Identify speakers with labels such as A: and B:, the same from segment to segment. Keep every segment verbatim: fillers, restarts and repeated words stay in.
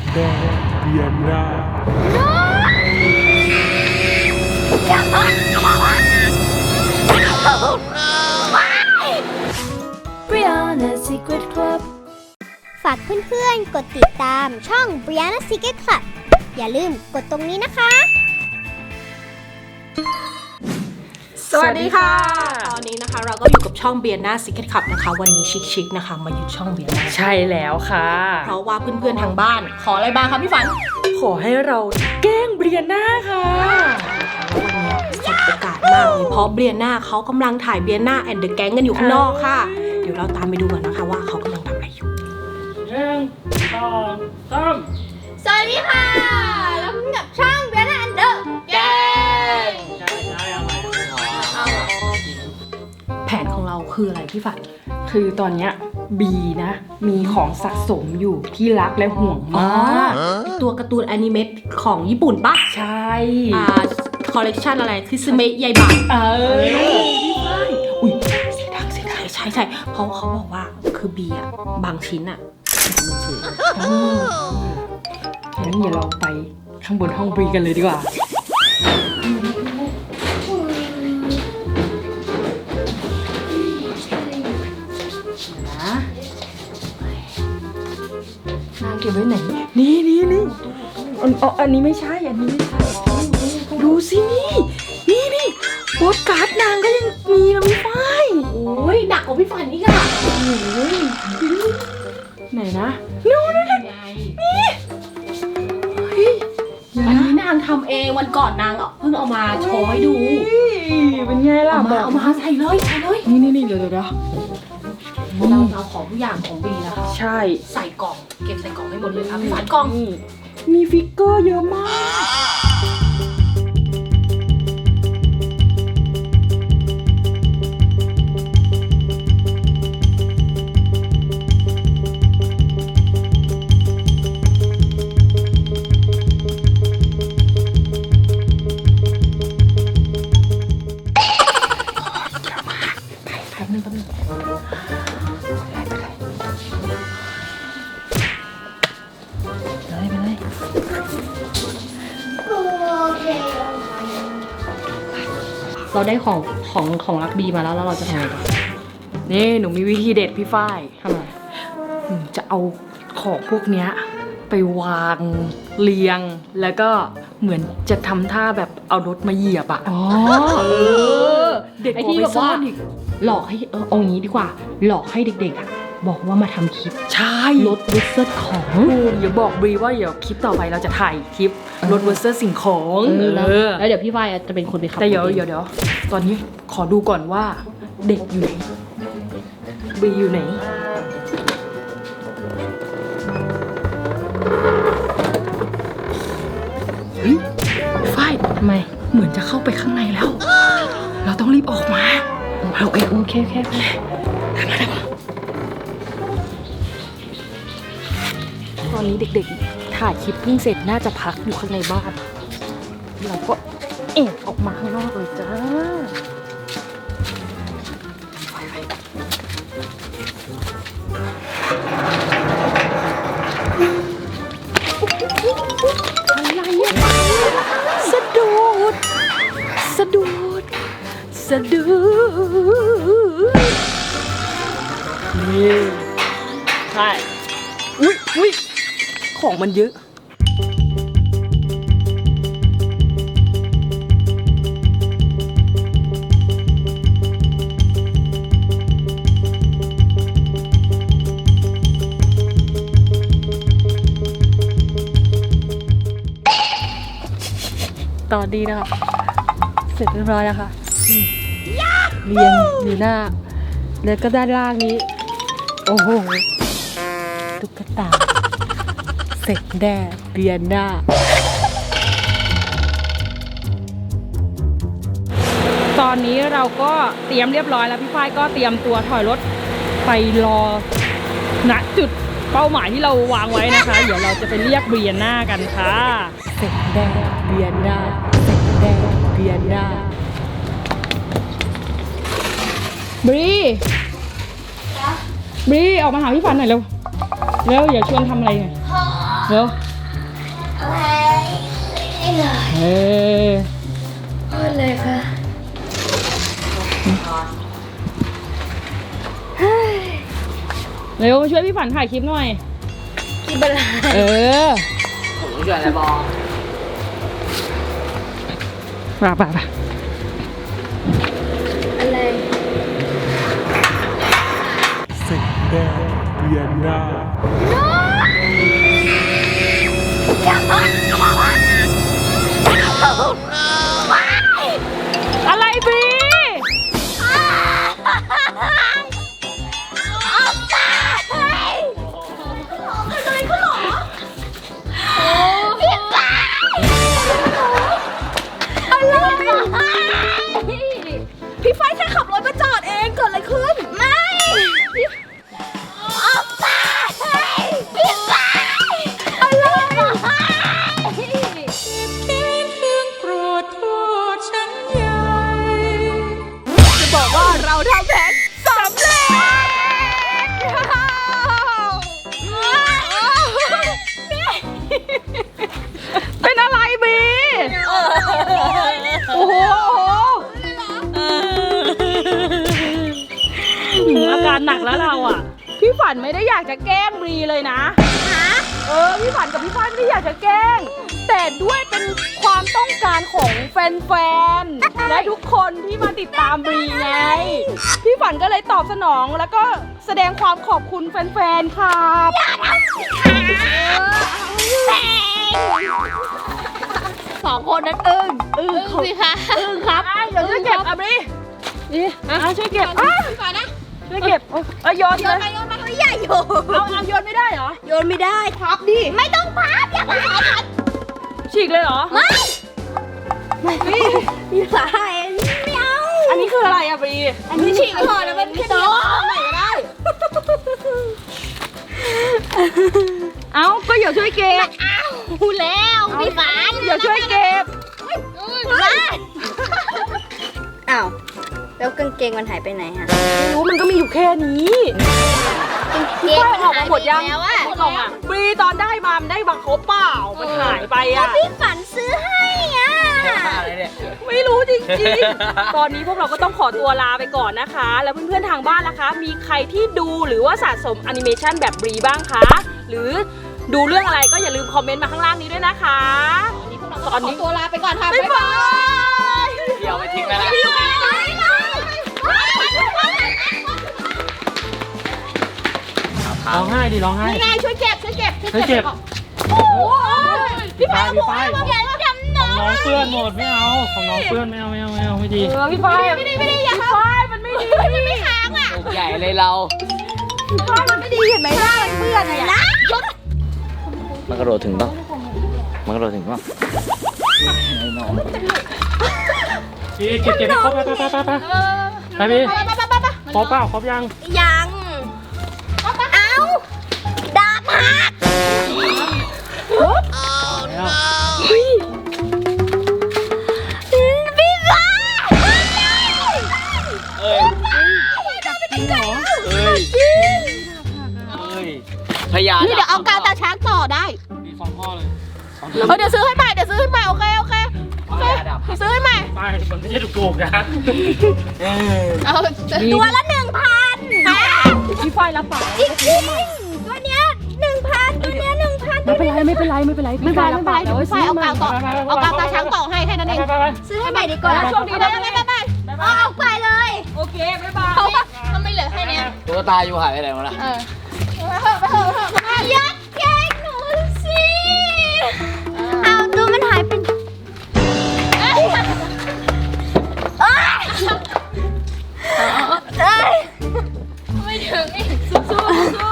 A: แดงเบียนหน้า
B: Brianna Secret Club
C: ฝากเพื่อนๆกดติดตามช่อง Brianna Secret Club อย่าลืมกดตรงนี้นะคะ
D: สวัสดีค่ะตอนนี้นะคะเราก็อยู่กับช่อง Brianna Secret Club นะคะวันนี้ชิคๆนะคะมาอยู่ช่อง Brianna
E: ใช่แล้วค่ะ
D: เพราะว่าเพื่อนๆทางบ้านขออะไรบ้างคะพี่ฝัน
E: ขอให้เราแกล้งเบรียน่าค่ะ
D: แล้ววันนี้สบโอกาสมากเลยเพราะเบรียน่าเขากำลังถ่าย Brianna and the Gang กันอยู่ข้างนอกค่ะเดี๋ยวเราตามไปดูกันนะคะว่าเขากำลังทำอะไรอยู่
E: หนึ่งสองสาม
C: สวัสดีค่ะ แล้วพบกับช่อง Brianna and the Gang
D: แผนของเราคืออะไรพี่ฝัน
E: คือตอนเนี้ยบีนะ มีของสะสมอยู่ที่รักและห่วงมาก
D: ตัวการ์ตูนแอนิเมตของญี่ปุ่นปะ
E: ใช่
D: อ่าคอลเลกชันอะไรคือสเมะใหญ่บะ
E: เออ
D: อุ้ยเสียดังเสียดังใช่ใช่เพราะเขาบอกว่าคือบีอะบางชิ้นอะมันคือ
E: งั้นเดี๋ยวเราไปข้างบนห้องบรีกันเลยดีกว่านะนางเก็บไว้ไหน นี่นี่นี่อันอ๋ออันนี้ไม่ใช่ อันนี้ไม่ใช่ ดูสินี่ นี่นี่โปสการ์ดนางก็ยังมีนะพี่ฝ้าย
D: โอ้ยหนักกว่าพี่ฝันนี่ค่ะ
E: ไหนนะนู่นนั่น
D: ไง
E: เฮ้ย
D: อันนี้นางทำเองวันก่อนนางอ่ะเพิ่งเอามาโชว์ให้ดู
E: เป็นไงล่ะ
D: เอา
E: บ
D: มา
E: อก
D: เอามาใส่เลยใส่เลย
E: นี่นี่นี่เดี๋ยวเดี๋ยวเดี๋ยว
D: เราเอาของทุกอย่างของบีนะคะ
E: ใช่
D: ใส่กล่องเก็บใส่กล่องให้หมดเลยค่ะพี่ฝันกล่อง
E: นี่มีฟิกเกอร์เยอะมาก
D: เราได้ของของของรักบีมาแล้วแล้วเราจะทำไงต่อ
E: นี่หนูมีวิธีเด็ดพี่ฝ้าย
D: ทำไม
E: หนูจะเอาของพวกเนี้ยไปวางเรียง แล้วก็เหมือนจะทำท่าแบบเอารถมาเหยียบอะ
D: อ๋อ
E: เออ เด็ก
D: ไอ้
E: กว่า
D: ที่
E: ไป
D: แบบ
E: ซ่อ
D: ว่าน
E: อีก
D: หลอกให้เออเอาอย่างนี้ดีกว่า หลอกให้เด็กๆอ่ะบอกว่ามาทำคลิป
E: ใช่
D: ลดวิสเซอร์ของ
E: ถูกอย่าบอกบรีว่าเดี๋ยวคลิปต่อไปเราจะถ่ายคลิปรถเวอร์เซอร์สิ่งของ
D: เออ
E: เออ
D: แล้วเดี๋ยวพี่ฝ้ายจะเป็นคนไปขับ
E: แต่เดี๋ยว
D: รถอง
E: เดี๋ยวเดี๋ยวตอนนี้ขอดูก่อนว่าเด็กอยู่ไหนบรีอยู่ไหนเฮ้ยฝ้าย
D: ทำไม
E: เหมือนจะเข้าไปข้างในแล้ว เราต้องรีบออกมาเราเอง
D: โอเคโอเคโอเค
E: ตอนนี้เด็กๆถ่ายคลิปเพิ่งเสร็จน่าจะพักอยู่ข้างในบ้านเราก็เอ็ดออกมาข้างนอกเลยจ้าอะไรอะสะดุดสะดุดสะดุดนี่ใช่อุ๊ยอุ๊ยของมันเยอะตอนนี้นะคะเสร็จเรียบร้อยแล้วค่ะนี่เรียงอยู่หน้า แล้วก็ด้านล่างนี้ โอ้โหตุ๊กตาเสร็จแน่เรียนหน้า ตอนนี้เราก็เตรียมเรียบร้อยแล้วพี่ฝ้ายก็เตรียมตัวถอยรถไปรอณจุดเป้าหมายที่เราวางไว้นะคะ เดี๋ยวเราจะไปเรียกเรียนหน้ากันค่ะเสร็จแน่เรียนหน้าเสร็จแน่เรียนหน้าบรีบรีออกมาหาพี่ฝันหน่อยเร็วเร็วอย่าชวนทำอะไรหน่อยเร็วเฮ้ย
B: พูดเลยค่ะ
E: เร็วมาช่วยพี่ฝันถ่ายคลิปหน่อย
B: กินอะไร
E: เออ
A: ผมช่วยอะไรบอ
E: ไปไปไป
B: อะไร
F: ศึกแดงเวียนหน้า
E: อะไรบรีพี่ไฟแค่ขับรถมาจอดเองเกิดอะไรขึ้น
C: ไม่ออกไปพี่ไปอะไร
D: จะบอกว่าเราทำแผนสำเร็จ เป็นอะไรบีโอ้โหอาการหนักแล้วเราอ่ะ พี่ฝันไม่ได้อยากจะแกล้งบรีเลยนะเออ พี่ฝันกับพี่ฝ้ายไม่ได้อยากจะแกล้ง แต่ด้วยเป็นความต้องการของแฟนๆ และทุกคนที่มาติดตามบรีไง พี่ฝันก็เลยตอบสนองแล้วก็แสดงความขอบคุณแฟนๆ ครับ
B: สองคนนั้นอึ้งอึ้งสิคะ
E: อึ้งครับเดี๋ยวช่วยเก็บอ่ะบรีนี่อ่ะช่วยเก็บอ่ะ
B: ก่อนนะ
E: ช่วยเก็บเอ้ยโยน
B: โย
E: เล
B: น
E: ย
B: ไปโยนมา
C: ใหญ่อยู่
E: เอาเอาโยนไม่ได้เหรอ
C: โยนไม่ได้พับดิ ไม่ต้องพับอย่าพับ
E: ฉีกเลยเหรอ
C: ไม่มีสายไม่เอา
E: อันนี้คืออะไรอะบรี
C: อันนี้ฉีกพอแล้วมันพี่โต
E: ไหนก็ได้ เอาก็อย่าช่วยเก็บ
C: พูดแล้วพี่ฝัน
E: อย่าช่วยเก็บ
C: มาอ้าวแล้วกางเกงมันหายไปไหนฮะ
E: ไม่รู้มันก็มีอยู่แค่นี้
C: เกงมัน
E: ออกมาหมดยัง
C: แล้วอะ
E: หมดแล้วอะบรีตอนได้มามันได้บังครบเปล่า มันหายไปอะ
C: พี่ฝันซื้อให้อ่ะ
A: อะไรเนี่ย
E: ไม่รู้จริงๆ ตอนนี้พวกเราก็ต้องขอตัวลาไปก่อนนะคะ แล้วเพื่อนๆทางบ้านล่ะคะ มีใครที่ดูหรือว่าสะสมแอนิเมชันแบบบรีบ้างคะ หรือดูเรื่องอะไรก็อย่าลืมคอมเมนต์มาข้างล่างนี้ด้วยนะคะ ตอนนี้
B: ตัวลาไปก่อนค่ะ
E: บ๊ายบาย
A: เดี๋ยวไปทิ้งแล้วนะ
F: ร้องไห้ดิร้องไห้
B: นี่ไงช่วยเก็บช่วยเก็บ
F: ช่วยเก็บ
B: โอ้ย
F: พี่ฝ้ายพี่ฝ้าย
C: อย่าทำน้อง
F: น้องเปื้อนหมดไม่เอาของน้องเปื้อนไม่เอาไม่เอาไม่เอาไม่ดี
E: เออพี่ฝ้ายไม่ดีไม่ดีอย่าฝ้ายมันไม่ดีมันไม่ค้างอ่ะ
A: ลูกใหญ่เลยเรา
E: พี่ฝ้ายมันไม่ดีเห็นไหมหน้ามันเปื้อนเนี่ย
A: มันกระโดดถึงป่ะมันกระโดดถึงป่ะ
F: พี่เก็บเก็บให้ครบไปไปไปไปไปไปพี่ครบเปล่าครบยัง
C: ยังเอาดาบหัก
F: แล้ว
C: พี่ฟ้า
A: เอ้ย
F: จริงเหรอ
A: เอ้ยเอ้ยพยา
B: นี่เดี๋ยวเอากาวตาช้างต่อได้
F: มีสองข้อเลย
B: เออเดี๋ยวซื้อให้ใหม่เดี๋ยวซื้อให้ใหม่โอเคโอเคโอเคซื้อให้ใหม่
F: ไปมันไม่ใช่ถูกๆนะ
B: เอา
C: ตัวละหนึ่งพัน
E: พี่ฝ้ายรับปาก
C: จริงจริงตัวเนี้ยหนึ่งพันตัวเนี้ยหนึ่งพัน
E: ไม่เป็นไรไม่เป็นไรไม่เป็นไร
B: ไม่เป็นไรไม่เป็นไรเดี๋ยวพี่ฝ้ายเอากาวต่อเอากาวตาช้างต่อให้แค่นั้นเอง
F: ไปไปไป
C: ซื้อให้ใหม่ดีกว่า
E: โชคดีนะ
C: ไปไปไปเอาออกไปเลย
E: โอเคบ๊ายบาย
B: เขาเขาไม่เหลือแค่เนี้ย
A: ตัวตาอยู่หายไปไหนหมดละ
B: เออไปเถอะไปเถอะไปเถอะ
C: ยัดแกล้งหนูสิเอาตัวมันหายไปเอ้ยเอ้ยเอ้ย
B: ไม่ถึงอีก
E: สู้สู้สู้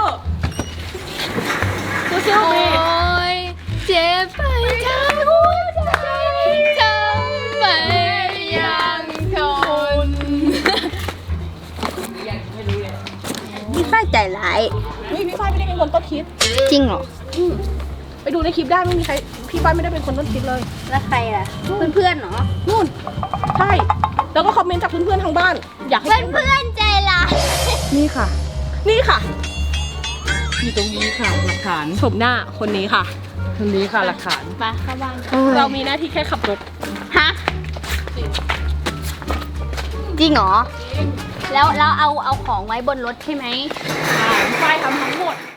E: สู้สู้
B: โอ้
E: บี
B: ยเจ็บไปทั้งหัวใจทำไมยังทน
C: พี่ฝ้ายใจร้าย
E: นี่พี่ฝ้ายไม่ได้เป็นคนต้นคิด
C: จริงเหรอ
E: ไปดูในคลิปได้ไม่มีใครพี่ฝ้ายไม่ได้เป็นคนต้นคิดเลย
C: แล้วใครล่ะ เพื่อนๆเหรอ
E: นู่นใช่แล้วก็คอมเมนต์จากเพื่อนๆทางบ้าน อยากให้
C: เพื่อนๆใจร้าย
E: นี่ค่ะ นี่ค่ะ
D: อยู่ตรงนี้ค่ะหลักฐาน
E: ชมหน้าคนนี้ค่ะอันนี้ค่ะหลักฐาน
B: ไปเข้าบ้าน
E: เรามีหน้าที่แค่ขับรถ
C: ฮะ จริงเหรอ แล้วแล้วเอาเอาของไว้บนรถใช่ไหม
E: พี่ฝ้ายทำทั้งหมด